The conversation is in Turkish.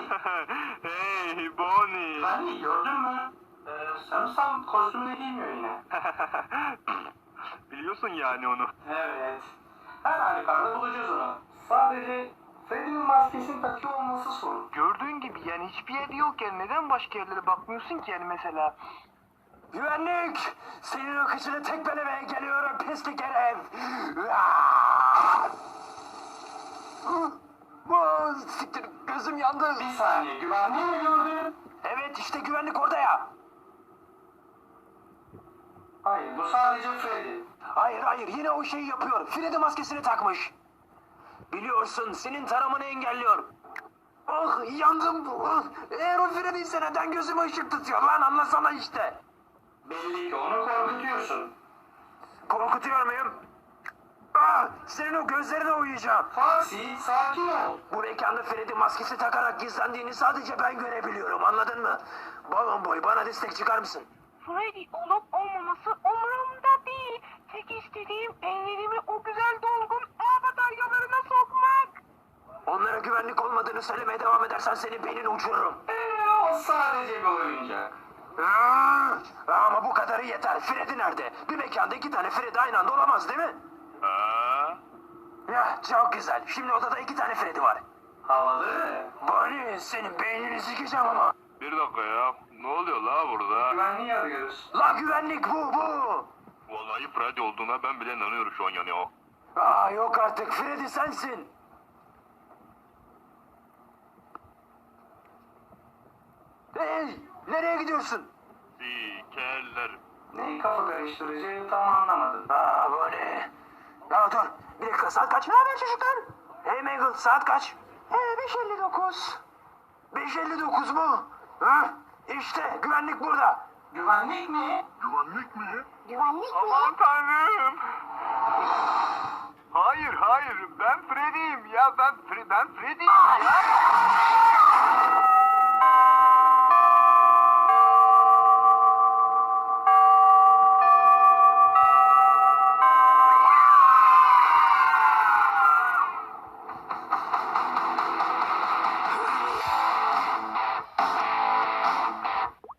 Hey Bonnie. Güvenlik gördün mü? Sanırsam kostümünü giymiyor yine. Biliyorsun yani onu. Evet. Her halükarda bulacağız onu. Sadece Freddy'nin maskesini takıyor olması sorun. Gördüğün gibi yani hiçbir yerde yokken neden başka yerlere bakmıyorsun ki yani mesela? Güvenlik! Senin o kıçını tekmelemeye geliyorum pislik herif! Siktir, gözüm yandı. Bir saniye, güvenliği mi gördün? Evet, işte güvenlik orada ya. Hayır, bu sadece Freddy. Hayır, yine o şeyi yapıyor. Freddy maskesini takmış. Biliyorsun, senin taramanı engelliyor. Ah, yandım. Ah, eğer o Freddy ise neden gözüme ışık tutuyor lan, anlasana işte. Belli ki onu korkutuyorsun. Korkutuyor muyum? Ah, senin o gözlerine uyuyacağım. Foxy, sakin ol. Bu mekanda Freddy maskesi takarak gizlendiğini sadece ben görebiliyorum, anladın mı? Balon boy, bana destek çıkar mısın? Freddy olup olmaması umurumda değil. Tek istediğim ellerimi o güzel dolgun ağ bataryalarına sokmak. Onlara güvenlik olmadığını söylemeye devam edersen senin beynini uçururum. O sadece bir oyuncak. Ama bu kadarı yeter. Freddy nerede? Bir mekanda iki tane Freddy aynı anda olamaz değil mi? Ya çok güzel. Şimdi odada iki tane Freddy var. Havalı. Bonnie, senin beynini sikeceğim ama. Bir dakika ya. Ne oluyor la burada? Güvenliği arıyoruz. La güvenlik bu. Vallahi Freddy olduğuna ben bile inanıyorum şu an yani o. Yok artık, Freddy sensin. Hey, nereye gidiyorsun? Sikerler. Neyi kafa karıştırıcı tam anlamadım. Bonnie. Ya dur, bir dakika, saat kaç? Ne haber çocuklar? Hey Mangle, saat kaç? 5:59. 5:59 mu? İşte güvenlik burada. Güvenlik mi? Güvenlik mi? Güvenlik mi? Aman tanrım. Hayır ben Freddy'yim ya ben Freddy'yim ya.